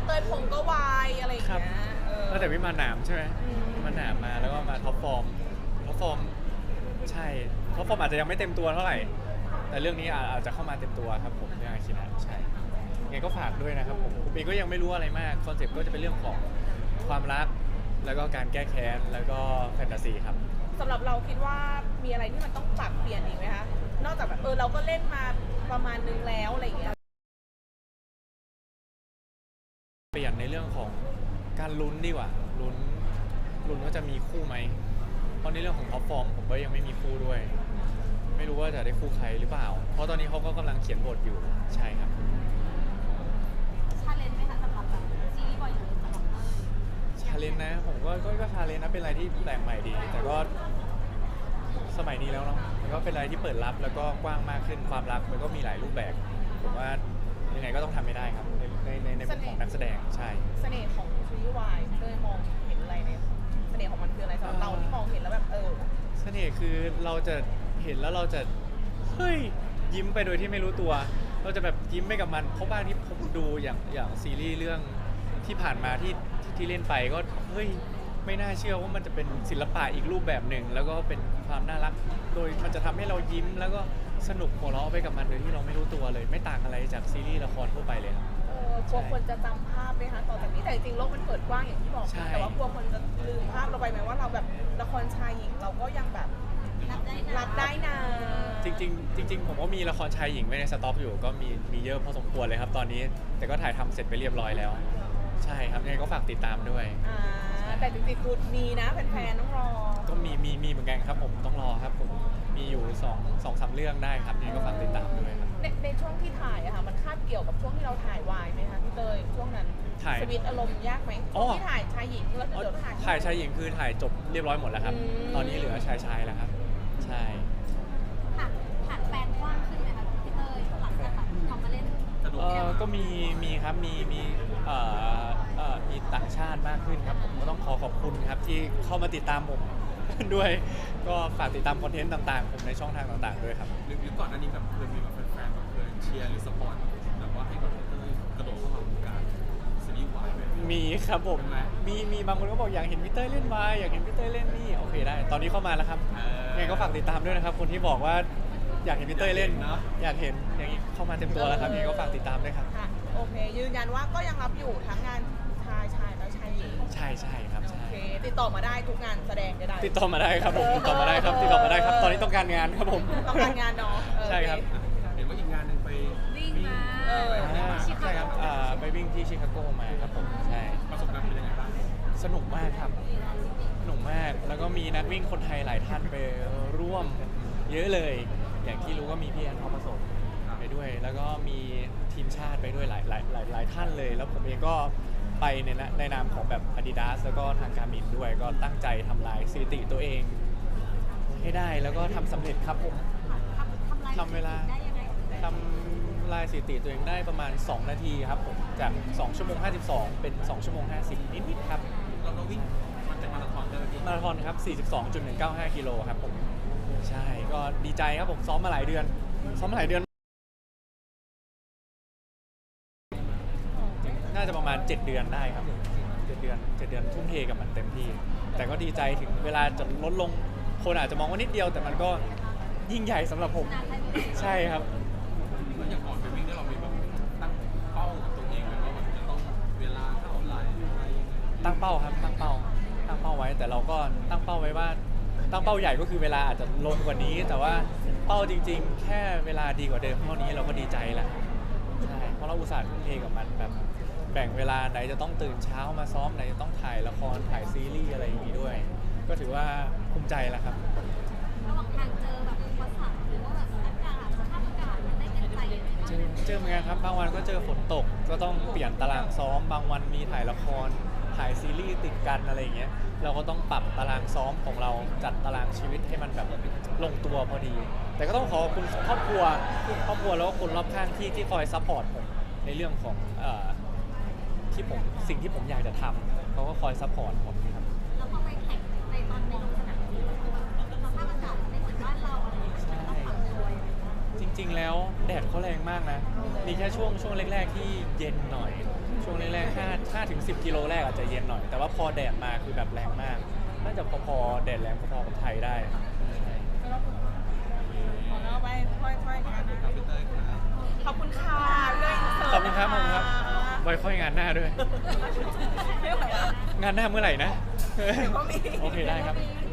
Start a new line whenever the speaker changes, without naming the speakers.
เตยพงก็วายอะไรอย่างเงี้ย
ตั้งแต่วิมานหนามใช่ไหมมันหนามมาแล้วก็มาท็อปฟอร์มใช่ท็อปฟอร์มอาจจะยังไม่เต็มตัวเท่าไหร่แต่เรื่องนี้อาจจะเข้ามาเต็มตัวครับผมเรื่องอาคินะใช่ยังไงก็ฝากด้วยนะครับผมเองก็ยังไม่รู้อะไรมากคอนเซ็ปต์ก็จะเป็นเรื่องของความรักแล้วก็การแก้แค้นแล้วก็แฟนตาซีครับ
สำหรับเราคิดว่ามีอะไรที่มันต้องปรับเปลี่ยนอีกไหมคะนอกจากแบบเราก็เล่นมาประมาณนึงแล้วอะไรอย่างเงี้ย
เปลี่ยนในเรื่องของการลุ้นดีกว่าลุ้นว่าจะมีคู่ไหมเพราะในเรื่องของท็อปฟอร์มผมก็ยังไม่มีคู่ด้วยไม่รู้ว่าจะได้คู่ใครหรือเปล่าเพราะตอนนี้เขาก็กำลังเขียนบทอยู่ใช่ครับ
ชาเลนจ์ไหมคะสำหรับแบบซีรีส์บอยหรือสำหรับ
ชาเลนจ์นะผมก็ชาเลนจ์นะเป็นอะไรที่แปลกใหม่ดีแต่ก็สมัยนี้แล้วเนาะมันก็เป็นอะไรที่เปิดรับแล้วก็กว้างมากขึ้นความรักมันก็มีหลายรูปแบบผมว่ายังไงก็ต้องทำไม่ได้ครับในมุมของนักแสดงใช่
เสน่ห์ของซีรีส์วายเตยมองเห็นอะไรในเสน่ห์ของมันคืออะไรสำหรับเราที่มองเห็นแล้วแบบ
เสน่ห์คือเราจะเห็นแล้วเราจะเฮ้ยยิ้มไปโดยที่ไม่รู้ตัวเราจะแบบยิ้มไปกับมันเพราะบ้างที่ผมดูอย่างซีรีส์เรื่องที่ผ่านมาที่เล่นไปก็เฮ้ยไม่น่าเชื่อว่ามันจะเป็นศิลปะอีกรูปแบบหนึ่งแล้วก็เป็นความน่ารักโดยมันจะทำให้เรายิ้มแล้วก็สนุกหัวเราะไปกับมันโดยที่เราไม่รู้ตัวเลยไม่ต่างอะไรจากซีรีส์ละครทั่วไปเลยครับ
กลัวคนจะจำภาพไหมคะต่อจากนี้แต่จริงๆโลกมันเปิดกว้างอย่างที่บอกแต่ว่ากลัวคนจะลืมภาพเราไปไหมว่าเราแบบละครชายหญิงเราก็ยังแบบรับได้นะ
จริงผมก็มีละครชายหญิงไว้ในสต็อกอยู่ก็มีเยอะพอสมควรเลยครับตอนนี้แต่ก็ถ่ายทำเสร็จไปเรียบร้อยแล้วใช่ครับยังไงก็ฝากติดตามด้วย
แต่จริงๆคือมีนะแฟนๆต้องรอ
ก็มีเหมือนกันครับผมต้องรอครับผมมีอยู่2-3 เรื่องได้ครับยังไงก็ฝากติดตามด้วยครับ
ในช่วงที่ถ่ายอะค่ะมันคาบเกี่ยวกับช่วงที่เราถ่ายวายไหมคะพี่เตยช่วงนั้นสวิตอารมณ์ยากไหมที่ถ่ายชายหญิงแล้วเดี๋ยว
ถ่ายชายหญิงคือถ่ายจบเรียบร้อยหมดแล้วครับตอนนี้เหลือชายแล้วครับใช่
ผ่านแฟนกว้างขึ้นไหมคะพี่เตยหลังจากแบบทำมาเล่น
ก็มีครับมีต่างชาติมากขึ้นครับผมก็ต้องขอบคุณครับที่เข้ามาติดตามผมด้วยก็ฝากติดตามคอนเทนต์ต่างๆผมในช่องทางต่างๆด้วยครับ
หรือก่อนหน้านี้แบบเคยมีแบบแฟนๆแบบเคยเชียร์หรือสปอร์ตแบบว่าให้กับเต้ยกระโดดเข้ามาวงการซีรีส์วายไหม
มีครับผมมีบางคนก็บอกอยากเห็นพี่เต้ยเล่นวายอยากเห็นพี่เต้ยเล่นนี่โอเคได้ตอนนี้เข้ามาแล้วครับยังไงก็ฝากติดตามด้วยนะครับคนที่บอกว่าอยากเห็นพี่เต้ยเล่นอยากเห็นอย่างนี้เข้ามาเต็มตัวแล้วครับยังไงก็ฝากติดตามด้วยครับ
โอเคยืนยันว่าก็ยังรับอยู่ทั้งงานชายและชายหญิง
ใช่ครับ
โอเคติดต่อมาได้ทุกงานแสดงได้
ติดต่อมาได้ครับผมติดต่อมาได้ครับตอนนี้ต้องการงานครับผม
ต้องการงานเนาะ
ใช่ครับ
เห็นว่าอีกงานหนึ่งไป
วิ่งมา
ใช่ครับไปวิ่งที่ชิคาโกมาครับผมใช่
ประสบการณ์เป็นยังไงบ้าง
สนุกมากครับสนุกมากแล้วก็มีนักวิ่งคนไทยหลายท่านไปร่วมเยอะเลยอย่างที่รู้ก็มีพี่แอนทองผสมไปด้วยแล้วก็มีทีมชาติไปด้วยหลายท่านเลยแล้วผมเองก็ไปในนามของแบบ Adidas แล้วก็ทางการมินด้วยก็ตั้งใจทำลายสถิติตัวเองให้ได้แล้วก็ทำสำเร็จครับผมทำเวลาทำลายสถิติตัวเองได้ประมาณ2 นาทีครับผมจาก2 ชั่วโมง 52เป็น2 ชั่วโมง 50นิดๆครับ
เราวิ่งมันเป็นมาราธอนเลย
มาราธอนครับ 42.195 กิโลครับผมใช่ก็ดีใจครับผมซ้อมมาหลายเดือนน่าจะประมาณ7 เดือนได้ครับ7 เดือนทุ่มเทกับมันเต็มที่แต่ก็ดีใจถึงเวลาจะลดลงคนอาจจะมองว่านิดเดียวแต่มันก็ยิ่งใหญ่สำหรับผมใช่ครับ
แล้วอย่างก่อนไปวิ่งเนี่ยเรามีแบบตั้งเป้ากับตัวเองไหมว่าแบบจะต้องเวลาเท่าไหร่อะไรยังไง
ตั้งเป้าครับตั้งเป้าไว้แต่เราก็ตั้งเป้าไว้ว่าตั้งเป้าใหญ่ก็คือเวลาอาจจะลงกว่านี้แต่ว่าเป้าจริงๆแค่เวลาดีกว่าเดิมเท่านี้เราก็ดีใจแล้วใช่เพราะเราอุตส่าห์ทุ่มเทกับมันแบบแบ่งเวลาไหนจะต้องตื่นเช้ามาซ้อมไหนจะต้องถ่ายละครถ่ายซีรีส์อะไรอย่างนี้ด้วยก็ถือว่าภูมิใจแล้วครับ
ระหว่างทางเจอแบบอุปสรรคหรือว่าแบบอากาศสภาพอากาศมันได้เป็นใจ
เจอเหมือนกันครับบางวันก็เจอฝนตกก็ต้องเปลี่ยนตารางซ้อมบางวันมีถ่ายละครถ่ายซีรีส์ติดกันอะไรอย่างเงี้ยเราก็ต้องปรับตารางซ้อมของเราจัดตารางชีวิตให้มันแบบลงตัวพอดีแต่ก็ต้องขอบคุณครอบครัวแล้วก็คนรอบข้างที่คอยซัพพอร์ตผมในเรื่องของสิ่งที่ผมอยากจะทำเขาก็คอยซัพพอร์ตผมครับ
แล้วพอไปแข่งในตอนในลงสนามจริงสภาพอากาศไม่เหมือนบ้านเราอะไรอย่างเงี้ยต้องปรับตัว
จริงๆแล้วแดดเขาแรงมากนะมีแค่ช่วงแรกๆที่เย็นหน่อยช่วงแรกๆ 5-10 กิโลแรกอาจจะเย็นหน่อยแต่ว่าพอแดดมาคือแบบแรงมากน่าจะพอๆแดดแรงพอๆกับไทยได้ใช่
ขอเราไปค่อยๆกันนะ
ครับพี่เต้ยครับ
ขอบคุณค่ะเลย
ขอบคุณครับไว้ค่อยงานหน้าด้วย
ไม่ไหวแล้ว
งานหน้าเมื่อไหร่นะ
เดี๋ยวก็มี
โอเคได้ครับ
มี